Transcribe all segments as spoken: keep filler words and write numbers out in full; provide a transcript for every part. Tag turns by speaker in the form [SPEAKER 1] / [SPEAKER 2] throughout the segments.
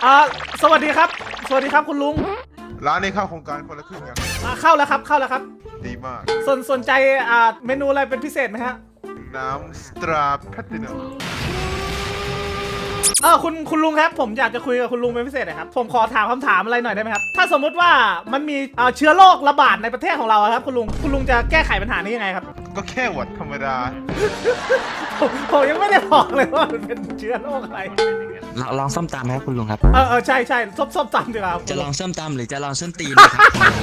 [SPEAKER 1] อ่าสวัสดีครับสวัสดีครับคุณลุง
[SPEAKER 2] ร้านนี้เข้าโครงการคนละครึ่งยัง
[SPEAKER 1] อ่าเข้าแล้วครับเข้าแล้วครับ
[SPEAKER 2] ดีมาก
[SPEAKER 1] สนสนใจอ่าเมนูอะไรเป็นพิเศษไหมฮะ
[SPEAKER 2] น้ำสตราแพลตินัม
[SPEAKER 1] เออคุณคุณลุงครับผมอยากจะคุยกับคุณลุงเป็นพิเศษหน่อยครับผมขอถามคำถามอะไรหน่อยได้ไหมครับถ้าสมมุติว่ามันมีเอ่อเชื้อโรคระบาดในประเทศของเราครับคุณลุงคุณลุงจะแก้ไขปัญหานี้ยังไงครับ
[SPEAKER 2] ก็แค่หวัดธรรมดา
[SPEAKER 1] ผมผมยังไม่ได้บอกเลยว่ามันเป็นเชื้อโรคอะไร
[SPEAKER 3] ลองลองส้มตำไหมครับคุณลุงครับ
[SPEAKER 1] เออเออใช่ใช่ส้มส้มตำดีกว่า
[SPEAKER 3] จะลองส้มตำหรือจะลองส้นตีนครับ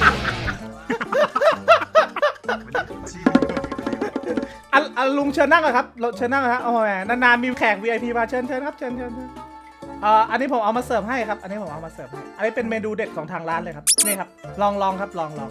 [SPEAKER 1] อ่ะอ่ะลุงเชิญนั่งเลยครับเชิญนั่งเลยครับโอ้ยนานๆมีแขก วี ไอ พี มาเชิญเชิญครับเชิญเชิญเชิญเอ่ออันนี้ผมเอามาเสิร์ฟให้ครับอันนี้ผมเอามาเสิร์ฟให้อันนี้เป็นเมนูเด็ดของทางร้านเลยครับนี่ครับลองลองครับลองลอง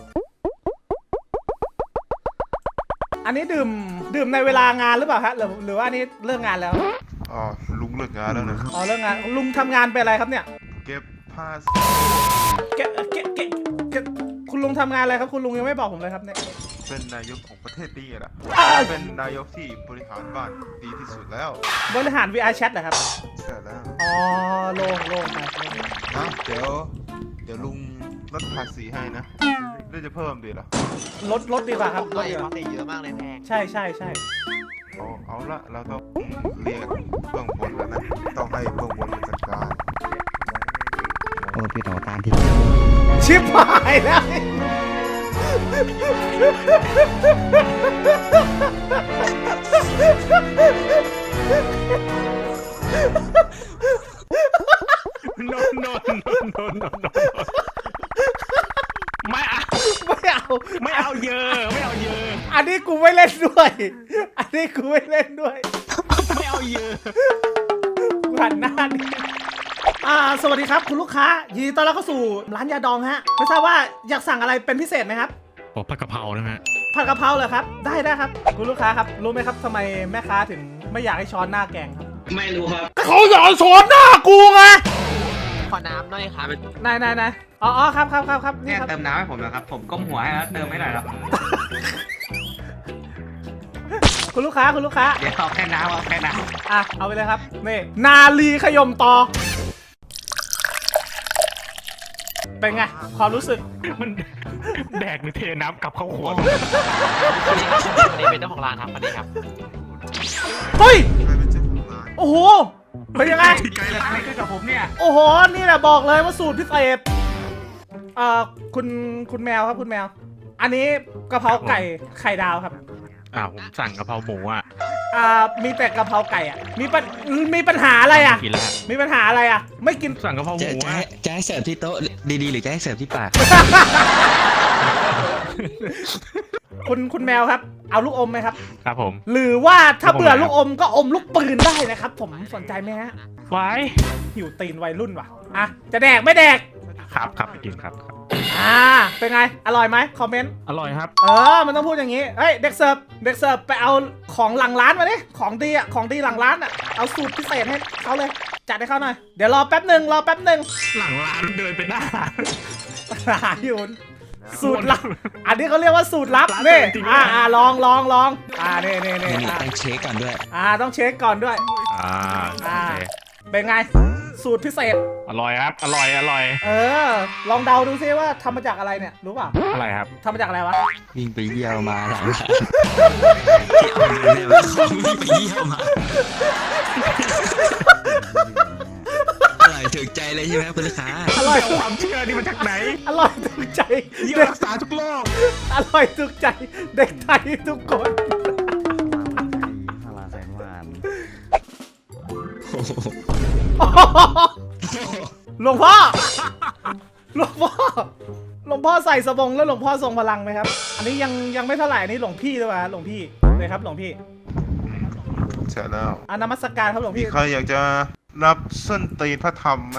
[SPEAKER 1] อันนี้ดื่มดื่มในเวลางานหรือเปล่าฮะหรือหรือว่าอันนี้เลิกงานแล้ว
[SPEAKER 2] อ๋อลุงเลิกงานแล้วนะ
[SPEAKER 1] อ๋อเลิกงานลุงทำงานเป็นอะไรครับเนี่ย
[SPEAKER 2] เก็บผ้า
[SPEAKER 1] เก็บเก็บเก็บเก็บคุณลุงทำงานอะไรครับคุณลุงยังไม่บอกผมเลยครับเนี่ย
[SPEAKER 2] เป็นนายกของประเทศนี้แหละเป็นนายกที่บริหารบ้านดีที่สุดแล้ว
[SPEAKER 1] บริหาร วี อาร์ Chat เหรอครับ
[SPEAKER 2] ใช่แล้ว
[SPEAKER 1] อ๋อโล่งโล่งนะ
[SPEAKER 2] เดี๋ยวเดี๋ยวลุงลดภาษีให้นะหรือจะเพิ่มดีล่ะ
[SPEAKER 1] ลดลดดีกว่าครับลดดีกว่า
[SPEAKER 4] เยอะมากเลยแพง
[SPEAKER 1] ใช่ใช่ใช่
[SPEAKER 2] เอาเอาละเราต้องเรียกเบื้องบนแล้วนะต้องให้เบื้องบนจัดการ
[SPEAKER 3] โอ้พี่ต่อตามที่
[SPEAKER 1] ชิบหายแล้ว
[SPEAKER 4] โนโนโนโนโนโนไม่เอา
[SPEAKER 1] ไม่เอา
[SPEAKER 4] ไม่เอาเยอะไม่เอาเยอะ
[SPEAKER 1] อันนี้กูไม่เล่นด้วยอันนี้กูไม่เล่นด้วย
[SPEAKER 4] ไม่เอาเยอะ
[SPEAKER 1] หันหน้าดิอ่าสวัสดีครับคุณลูกค้ายินดีต้อนรับเข้าสู่ร้านยาดองฮะไม่ทราบว่าอยากสั่งอะไรเป็นพิเศษไหมครับ
[SPEAKER 4] โอ้ผัดกะเพรานะฮะ
[SPEAKER 1] ผัดกะเพราเหรอครับได้ได้ครับคุณลูกค้าครับรู้ไหมครับทำไมแม่ค้าถึงไม่อยากให้ช้อนหน้าแกงครับ
[SPEAKER 4] ไม่รู้ครับ
[SPEAKER 1] เขาอยากช้อนหน้ากูไง
[SPEAKER 4] ขอน้ำหน่อยครับ
[SPEAKER 1] นายนายนายอ๋อครับครับครับครับ
[SPEAKER 4] นี่ครับเติมน้ำให้ผมนะครับผมก้มหัวให้แล้วเติมไม่หน่อยครับ
[SPEAKER 1] คุณลูกค้าคุณลูกค้า
[SPEAKER 4] เดี๋ยวเอาแค่น้ำเอาแค่น้
[SPEAKER 1] ำอ่ะเอาไปเลยครับนี่นาลีขยมตอเป็นไงความรู้สึก
[SPEAKER 4] มันแดกหรือเทน้ำกลับเข้าขวดอันนี้เป็นเจ้าของร้านครับอันนี้ครับ
[SPEAKER 1] เฮ้ยโอ้โหเป็นยังไง
[SPEAKER 4] ไกลอะไรขึ้นกับผมเนี่ย
[SPEAKER 1] โอ้โหนี่แหละบอกเลยว่าสูตรพิเศษเอ่อคุณคุณแมวครับคุณแมวอันนี้กะเพราไก่ไข่ดาวครับ
[SPEAKER 4] อ่าผมสั่งกะเพราหมูอ่ะ
[SPEAKER 1] อ่ามีแต่กะเพราไก่อ่ะมีปัญมีปัญหาอะไรอ่ะมีปัญหาอะไรอ่ะไม่กิน
[SPEAKER 4] สั่งกะเพราหมูอ่ะ
[SPEAKER 3] จะให้เสิร์ฟที่โต๊ะดีๆหรือจะให้เสิร์ฟที่ปาก
[SPEAKER 1] คุณคุณแมวครับเอาลูกอมไหมครับ
[SPEAKER 4] ครับผม
[SPEAKER 1] หรือว่าถ้าเบื่อลูกอมก็อมลูกปืนได้นะครับผมสนใจไหมฮะ
[SPEAKER 4] ไว้
[SPEAKER 1] หิวตีนวัยรุ่นว่ะอ่ะจะแดกไม่แดก
[SPEAKER 4] ครับครับไปกินครับ
[SPEAKER 1] อ่าเป็นไงอร่อยไหมคอมเมนต์
[SPEAKER 4] อร่อยครับ
[SPEAKER 1] เออมันต้องพูดอย่างนี้เฮ้ยเด็กเสิร์ฟเด็กเสิร์ฟไปเอาของหลังร้านมาดิของดีอ่ะของดีหลังร้านอ่ะเอาสูตรพิเศษให้เขาเลยจัดให้เขาหน่อยเดี๋ยวรอแป๊บหนึ่งรอแป๊บหนึ่ง
[SPEAKER 4] หลังร้านเดินไปหน้า
[SPEAKER 1] หาอยู่สูตรลับอันนี้เขาเรียกว่าสูตรลับนี่อ่าอ่าลองลองลองอ่านี่นี่นี่
[SPEAKER 3] ต้องเช็คก่อนด้วย
[SPEAKER 1] อ่าต้องเช็คก่อนด้วย
[SPEAKER 4] อ่า
[SPEAKER 1] อ่าเป็นไงสูตรพิเศษ
[SPEAKER 4] อร่อยครับอร่อยอร่อย
[SPEAKER 1] เออลองเดาดูซิว่าทำมาจากอะไรเนี่ยรู้ป่ะ
[SPEAKER 4] อะไรครับ
[SPEAKER 1] ทำมาจากอะไรวะ
[SPEAKER 3] วิ่งไปเยี่ยวมาหลังร้านที่เอาเงินเนี่ยวิ่งไปเยี่ยวมาอร่อยถูกใจเลยใช่ไหมคุณลูกค้า
[SPEAKER 1] อร่อย
[SPEAKER 4] ความเชื่อนี่มาจากไหน
[SPEAKER 1] อร่อยถูกใจ
[SPEAKER 4] เยี่ยวรักษาทุกโรค
[SPEAKER 1] อร่อยถูกใจเด็กไทยทุกคนหลวงพ่อหลวงพ่อหลวงพ่อใส่สบงแล้วหลวงพ่อทรงพลังไหมครับอันนี้ยังยังไม่เท่าไหร่อันนี้หลวงพี่ด้วยวะหลวงพี่เลยครับหลวงพี่
[SPEAKER 2] ใช่แล้ว
[SPEAKER 1] อ่ะนมัสการครับหลวงพี่
[SPEAKER 2] ใครอยากจะรับส้นตีนพระธรรมไหม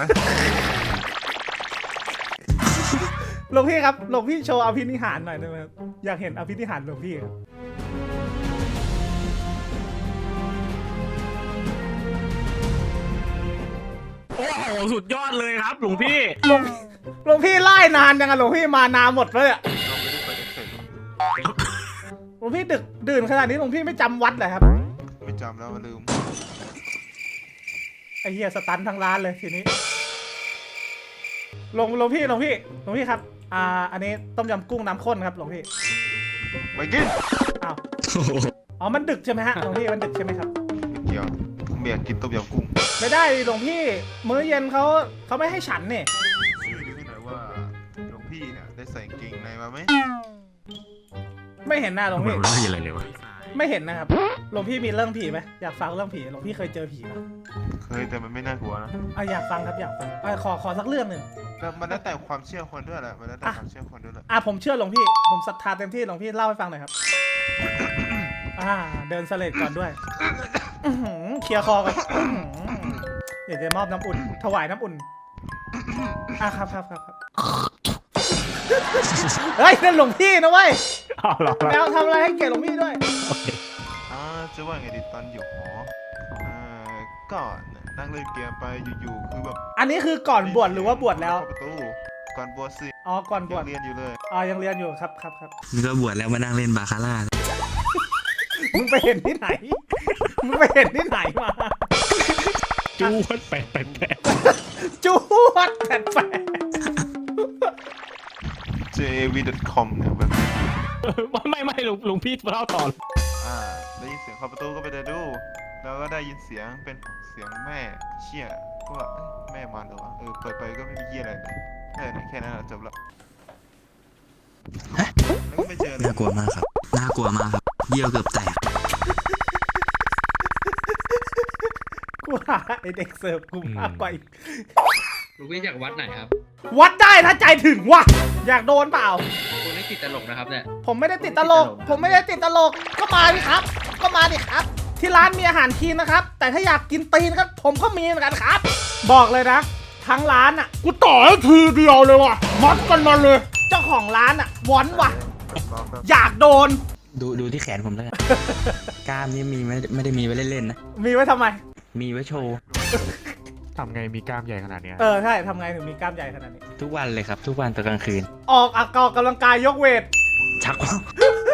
[SPEAKER 1] หลวงพี่ครับหลวงพี่โชว์อภินิหารหน่อยได้ไหมครับอยากเห็นอภินิหารหลวงพี่ครับ
[SPEAKER 4] โอ้โหสุดยอดเลยครับหลวงพี่
[SPEAKER 1] หลวงหลวงพี่ไล่นานยังไงหลวงพี่มานานหมดเลยอ่ะหลวงพี่ดึกดื่นขนาดนี้หลวงพี่ไม่จำวัดเลยครับ
[SPEAKER 2] ไม่จำแล้วลืม
[SPEAKER 1] ไอ้เหี้ยสตันทั้งร้านเลยทีนี้หลวงหลวงพี่หลวงพี่หลวงพี่ครับอ่าอันนี้ต้มยำกุ้งน้ำข้นครับหลวงพี่
[SPEAKER 2] ไม่กิน
[SPEAKER 1] อ้าวอ๋อมันดึกใช่ไหมฮะหลวงพี่มันดึกใช่ไหมครับ
[SPEAKER 2] ไม่เกี่ยวผมอยากกินต้มยำกุ้ง
[SPEAKER 1] ไม่ได้ดิหลวงพี่มื้อเย็นเขาเขาไม่ให้ฉันเนี่ย
[SPEAKER 2] ช่วยดูให้หน่อยว่าหลวงพี่เนี่ยได้ใส่กางเกงในมาไหม
[SPEAKER 1] ไม่เห็นหน้าหลวงพี่
[SPEAKER 3] ไม่มีอะไรเลยวะ
[SPEAKER 1] ไม่เห็นนะครับหลวงพี่มีเรื่องผีไหมอยากฟังเรื่องผีหลวงพี่เคยเจอผีไหม
[SPEAKER 2] เคยแต่มันไม่น่ากลัวนะ
[SPEAKER 1] อ่ะอยากฟังครับอยากฟังอ่ะขอขอสักเรื่องหนึ่ง
[SPEAKER 2] แล้วมันแล้วแต่ความเชื่อคนด้วยแหละมันแล้วแต่ความเชื่อคนด้วยแหละ
[SPEAKER 1] อ่ะผมเชื่อหลวงพี่ผมศรัทธาเต็มที่หลวงพี่เล่าให้ฟังหน่อยครับ อ่าเดินเสลดก่อนด้วยอื้อหือเคลียร์คอก่อนอื้อหืออยากจะมอบน้ำอุ่นถวายน้ำอุ่นอ่ะครับครับครับครับเฮ้ยนั่นหลวงพี่นะเว้ย
[SPEAKER 4] เอาเหรอ
[SPEAKER 1] แมวทำอะไรให้เกียรติหลวงพี่ด้วย
[SPEAKER 2] อ่าจะว่าไงดีตอนอยู่หออ่าก็นั่งเล่นเกมไปอยู่ๆคือแบบ
[SPEAKER 1] อันนี้คือก่อนบวชหรือว่าบวชแล้ว
[SPEAKER 2] เข้าประตูก่อนบวชสิ
[SPEAKER 1] อ๋อก่อนบว
[SPEAKER 2] ยั
[SPEAKER 1] ช
[SPEAKER 2] งเรียนอยู่เลย
[SPEAKER 1] อ๋อยังเรียนอยู่ครับครับครับ
[SPEAKER 3] นี่ก็บวชแล้วมานั่งเล่นบาคาร่า
[SPEAKER 1] มึงไปเห็นที่ไหนมึงไปเห็นที่ไหนมา
[SPEAKER 4] จูดแปดแปดแปด
[SPEAKER 1] จูดแปดแปด
[SPEAKER 2] เจ วี ดอท คอม เนี่ยแบบ
[SPEAKER 4] ไม่ไม่หลวงหลวงพี่เล่าต่อ
[SPEAKER 2] อ่าได้ยินเสียงเข้าประตูก็ไปเดินดูแล้วก็ได้ยินเสียงเป็นเสียงแม่เชี่ยก็ว่าเอ้ยแม่มาเหรอวะเออเปิดไปก็ไม่มีเยี่ยอะไรเลยแค่นั้นแค่นั้นอะจบละแล้วก็ไม่เจอเลย
[SPEAKER 3] น่ากลัวมากครับ น่ากลัวมากครับเยี่ยวเกือบแตก
[SPEAKER 1] กูหาไอเด็กเสิร์ฟกูมากกว่าอีก
[SPEAKER 5] ลูกพี่จากวัดไหนครับ
[SPEAKER 1] วัดได้ถ้าใจถึงว่ะอยากโดนเปล่า
[SPEAKER 5] คุณไม่ติดตลกนะครับเนี่ย
[SPEAKER 1] ผมไม่ได้ติดตลก ผมไม่ได้ติดตลกก็มาดิครับ ก็มาดิครับ ที่ร้านมีอาหารคลีนนะครับ แต่ถ้าอยากกินตีนก็ผมก็มีเหมือนกันครับ บอกเลยนะทั้งร้านอ่ะกูต่อให้ทีเดียวเลยว่ะมัดกันมาเลย เจ้าของร้านอ่ะวอนว่ะ
[SPEAKER 2] รอแป๊บ
[SPEAKER 1] อยากโดน
[SPEAKER 3] ดูดูที่แขนผมแล้วกัน กล้ามนี่มีไม่ไม่ได้มีไว้เล่นๆนะ
[SPEAKER 1] มีไว้ทำไม
[SPEAKER 3] มีไว้โชว์
[SPEAKER 4] ทำไงมีกล้ามใหญ่ขนาดเนี้ย
[SPEAKER 1] เออใช่ทำไงถึงมีกล้ามใหญ่ขนาดนี้
[SPEAKER 3] ทุกวันเลยครับ ทุกวันตอนกลางคืน
[SPEAKER 1] ออกออกกำลังกายยกเวท
[SPEAKER 3] ชักว่าว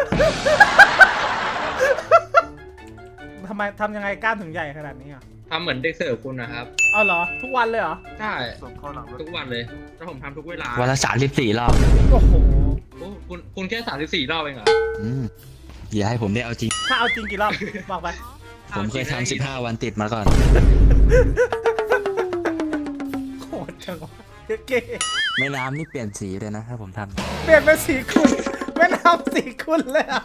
[SPEAKER 1] ทำไมทำยังไงกล้ามถึงใหญ่ขนาดนี้อ่ะ
[SPEAKER 5] ทำเหมือนเด็กเสิร์ฟคุณนะครับ
[SPEAKER 1] เอาเหรอทุกวันเลยเหรอ
[SPEAKER 5] ใช่
[SPEAKER 2] ส่งเข้าหลังรถ
[SPEAKER 5] ทุกวันเลยแล้วผมทำทุกเวลา
[SPEAKER 3] วันละสามสิบสี่รอบ
[SPEAKER 1] โอ้โห
[SPEAKER 5] โอ้คุณคุณแค่สามสิบสี่รอบเองเหรอ
[SPEAKER 3] อืมอย่าให้ผมได้เอาจริง
[SPEAKER 1] ถ้าเอาจริงกี่รอบบอกไป
[SPEAKER 3] ผมเคยทำสิบห้าวันติดมาก่อน
[SPEAKER 1] โหดจังวะเก๋
[SPEAKER 3] แม่น้ำนี่เปลี่ยนสีเลยนะถ้าผมทำ
[SPEAKER 1] เปลี่ยนเป็นสีคุณแม่น้ำสีคุณเลยอะ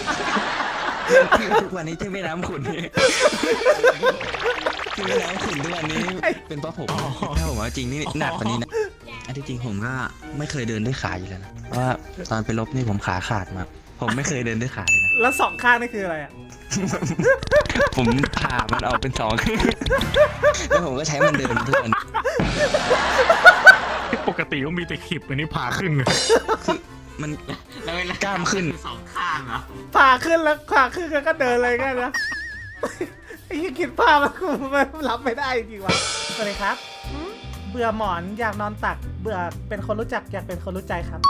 [SPEAKER 3] ทุกวันนี้ที่แม่น้ำขุนนี่ที่แม่น้ำขุนทุกวันนี้เป็นเพราะผมถ้าผมเอาจริงนี่หนักกว่านี้นะอันที่จริงผมก็ไม่เคยเดินด้วยขาอยู่แล้วนะเพราะว่าตอนไปรบนี่ผมขาขาดมา ผมไม่เคยเดินด้วยขาเลยนะ
[SPEAKER 1] แล้วสองข้างนี่คืออะไรอ่ะ
[SPEAKER 3] ผมผ่ามันออกเป็นสองแล้วผมก็ใช้มันเดินทุกวัน
[SPEAKER 4] ปกติก็มีแต่ขีบอันนี้ผ่าครึ่งเลย
[SPEAKER 3] คือมันกล้ามขึ้น
[SPEAKER 1] ผ่าขึ้นแล้วผ่าขึ้นแล้วก็เดินเลยแค่นะไอ้ที่คิดภาพมันกูมันรับไม่ได้จริงวะสวัสดีครับ เบื่อหมอนอยากนอนตัก เบื่อเป็นคนรู้จักอยากเป็นคนรู้ใจครับ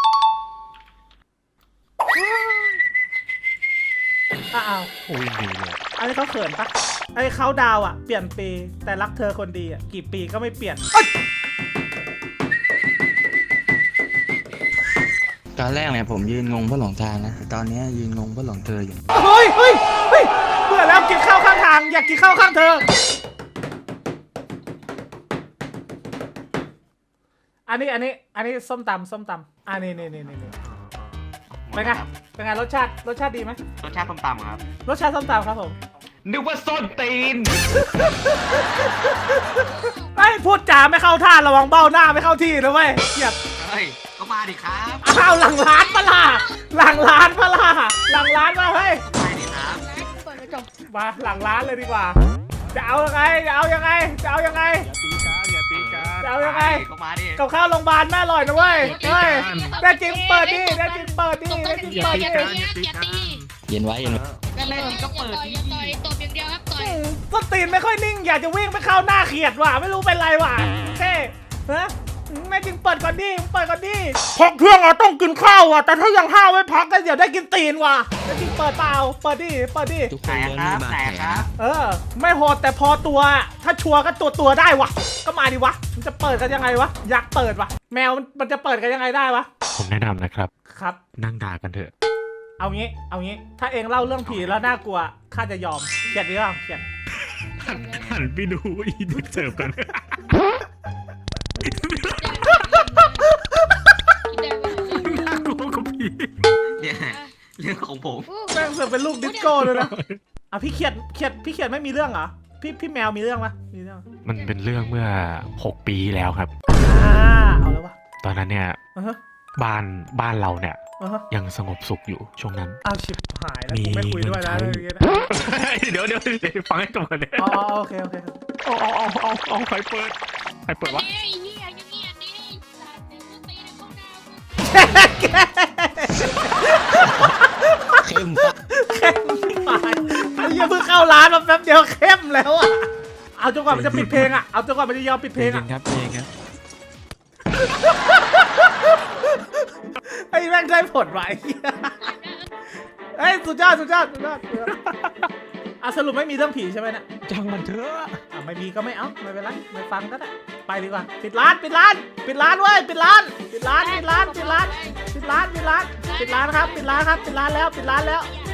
[SPEAKER 1] อ้าว
[SPEAKER 4] โอ้ยดีเลย
[SPEAKER 1] อันนี้เขาเขินปะไอ้เขาดาวอ่ะเปลี่ยนปีแต่รักเธอคนดีอ่ะกี่ปีก็ไม่เปลี่ยนเอ้ย
[SPEAKER 3] ตอนแรกเนี่ยผมยืนงงเพราะหลงทางนะแต่ตอนนี้ยืนงงเพราะหลงเธออยู่
[SPEAKER 1] เฮ้ยเฮ้ยเฮ้ยเบื่อแล้วกินข้าวข้างทางอยากกินข้าวข้างเธอ อันนี้อันนี้อันนี้ส้มตำส้มตำอันนี้นี่นี่นี่นี่เป็นไงเป็นไงรสชาติรสชาติดีไหม
[SPEAKER 5] รสชาติต้มตำครับ
[SPEAKER 1] รสชาติส้มตำครับผม
[SPEAKER 4] นึกว่าส้นตีน
[SPEAKER 1] ไอ้พูดจาไม่เข้าท่าระวังเบ้าหน้าไม่เข้าที่นะเว้ยเกียด
[SPEAKER 5] เฮ้ย ก็มาดิครับ
[SPEAKER 1] อ้าวหลังร้านปะล่ะหลังร้านปะล่ะหลังร้านมาเฮ้ย
[SPEAKER 5] มาดิครับ
[SPEAKER 1] มาหลังร้านเลยดีกว่า จะเอายังไงจะเอายังไงจะเอายังไง
[SPEAKER 4] อย่าตีกันอย่าตีกัน
[SPEAKER 1] จะเอายังไง
[SPEAKER 5] ก็มาดิ
[SPEAKER 1] กับข้าวโรงพยาบาลแม่อร่อยนะเว้ยเฮ้ยได้จริงเปิดดิได้จริงเปิดดิได้จริง
[SPEAKER 4] อย่า
[SPEAKER 1] เปิด
[SPEAKER 4] ตี
[SPEAKER 1] ดิ
[SPEAKER 4] กันอย่าตีกัน
[SPEAKER 3] เย็นไว้เย็นไว้
[SPEAKER 5] ก็เล่นก็เปิด
[SPEAKER 6] ต่อยอย่าต่อยตบอย่างเดียวครับต่อย
[SPEAKER 1] ต้นตีนไม่ค่อยนิ่งอยากจะวิ่งไปเข้าหน้าเขียดว่ะไม่รู้เป็นไรว่ะเท่ฮะไม่จริงเปิดก่อนดิเปิดก่อนดิพักเที่ยงอะต้องกินข้าวอะแต่ถ้ายังห้าวไม่พักก็เดี๋ยวได้กินตีนว่ะจะจริงเปิดเปล่าเปิดดิเปิดดิ
[SPEAKER 3] ทุกค
[SPEAKER 5] ไหน
[SPEAKER 3] น
[SPEAKER 5] ค
[SPEAKER 3] ล้วน
[SPEAKER 5] รับ
[SPEAKER 3] มีบาด
[SPEAKER 5] ไหน
[SPEAKER 3] แผล
[SPEAKER 5] ครับ
[SPEAKER 1] เออ ไม่โหดแต่พอตัว ถ้าชัวร์ก็ตัวตัวได้วะก็มาดิวะมันจะเปิดกันยังไงวะอยากเปิดวะแมวมันมันจะเปิดกันยังไงได้วะ
[SPEAKER 4] ผมแนะนำนะครับ
[SPEAKER 1] ครับ
[SPEAKER 4] นั่งด่ากันเถอะ
[SPEAKER 1] เอางี้เอางี้ถ้าเองเล่าเรื่องผีแล้วน่ากลัวข้าจะยอมเขียนหรือเปล่าเขียน
[SPEAKER 4] หันไปดูอีเด็กเสิร์ฟกัน น่ากลัวกว่าผี
[SPEAKER 5] เนี่ยเรื่องของผม
[SPEAKER 1] แม่งเสือกเป็นลูกดิสโก้เลยนะอ่ะพี่เขียนเขียนพี่เขียนไม่มีเรื่องเหรอพี่พี่แมวมีเรื่องปะมีเรื่อง
[SPEAKER 4] มันเป็นเรื่องเมื่อหกปีที่แล้วครับ
[SPEAKER 1] อ่าเอาแล้ววะ
[SPEAKER 4] ตอนนั้นเนี่ย
[SPEAKER 1] อ่าฮะ
[SPEAKER 4] บ้านบ้านเราเนี่ย
[SPEAKER 1] อ่าฮะ
[SPEAKER 4] ยังสงบสุขอยู่ช่วงนั้น
[SPEAKER 1] เอาชิบหายแล้ว
[SPEAKER 4] มี
[SPEAKER 1] กูไม่คุยด้วยนะ
[SPEAKER 4] เงิน
[SPEAKER 1] เรื่อง
[SPEAKER 4] ใช้
[SPEAKER 1] นี้นะ
[SPEAKER 4] เดี๋ยวเดี๋ยวเดี๋ยวฟังให้จบก่อนเนี่ย
[SPEAKER 1] อ๋ออ๋อโอเคโอเค
[SPEAKER 4] เอาเอาเอาเอาเอาใครเปิดใครเปิดวะ
[SPEAKER 6] เฮ้ยเฮียอย่างเงี้ยนี่สาดเดี๋ยวมึงตีในห้องน้ำมึง
[SPEAKER 3] เข้มปะ
[SPEAKER 1] เข้มหายไอ้เหี้ยเพิ่งเข้าร้านมาแป๊บเดียวเข้มแล้วอ่ะเอาจนกว่ามันจะปิดเพลงอ่ะเอาจนกว่ามันจะยอมปิดเพลงอ่ะ
[SPEAKER 4] ครับเพลงครับ
[SPEAKER 1] ไอ้แม่งได้ผลว่ะไอ้เหี้ยเฮ้ยสุดยอดสุดยอดสุดยอดสุดยอดอ่ะสรุปไม่มีเรื่องผีใช่ไหมเนี่ย
[SPEAKER 4] จังมันเถอะ
[SPEAKER 1] อ่ะไม่มีก็ไม่เอาไม่เป็นไรไม่ฟังก็ได้ไปดีกว่าปิดร้านปิดร้านปิดร้านเว้ยปิดร้านปิดร้านปิดร้านปิดร้านปิดร้านปิดร้านปิดร้านครับปิดร้านครับปิดร้านแล้วปิดร้านแล้ว
[SPEAKER 6] อย่า